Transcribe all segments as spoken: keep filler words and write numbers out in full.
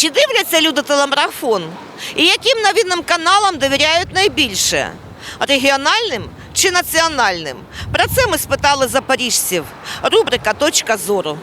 Чи дивляться люди телемарафон? І яким новинним каналам довіряють найбільше? Регіональним чи національним? Про це ми спитали запоріжців. Рубрика «Точка зору».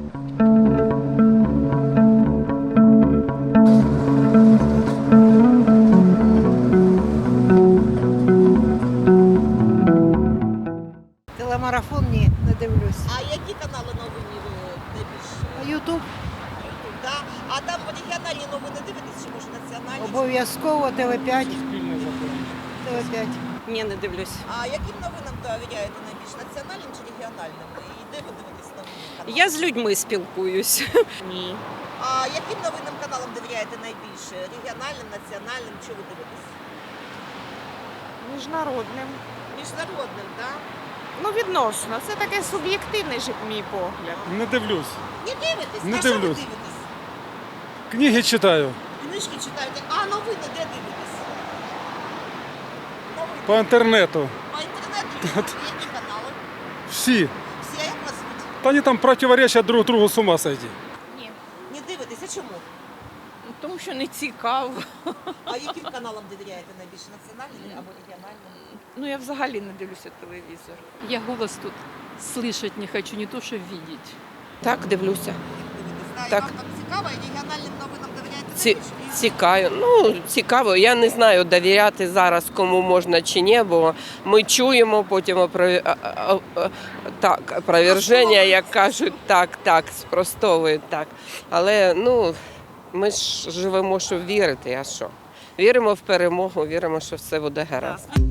Телемарафон ні, не дивлюсь. А які канали новини найбільше? Ютуб Да? А там регіональні новини дивитесь, чи може національні? обов'язково, Т В п'ять. Т В п'ять. Ні, не дивлюсь. А яким новинам довіряєте найбільше? Національним чи регіональним? І де ви дивитесь новини? канали? Я з людьми спілкуюсь. Ні. А яким новинним каналам довіряєте найбільше? Регіональним, національним? Чи ви дивитесь? Міжнародним. Міжнародним, так? Да? Ну, відносно. Це таке суб'єктивний же мій погляд. Не дивлюсь. Не дивитесь? Не а що ви дивлюсь. дивитесь? Книги читаю Книжки читаєте, а новини де дивитесь? Новини по інтернету. по інтернету? Які канали? Всі. Всі, а як вас звуть? Та вони там противоречать друг другу, с ума сойти. Ні. Не дивитесь, а чому? Тому що не цікаво. А яким каналам довіряєте найбільше? Національним або регіональним? Ну, я взагалі не дивлюся телевізор. Я голос тут слышать не хочу, не то что видеть. Так, дивлюся. Дивитесь, да? І Так. вам там цікаво, і регіональним новинам довіряєте Ці, найбільше? цікаво. Ну, цікаво. Я не знаю, довіряти зараз кому можна чи ні, бо ми чуємо потім опрові... а- а- а- так, опроверження, як кажуть, так, так, спростовують так. Але ну, ми ж живемо, щоб вірити, а що? Віримо в перемогу, віримо, що все буде гаразд.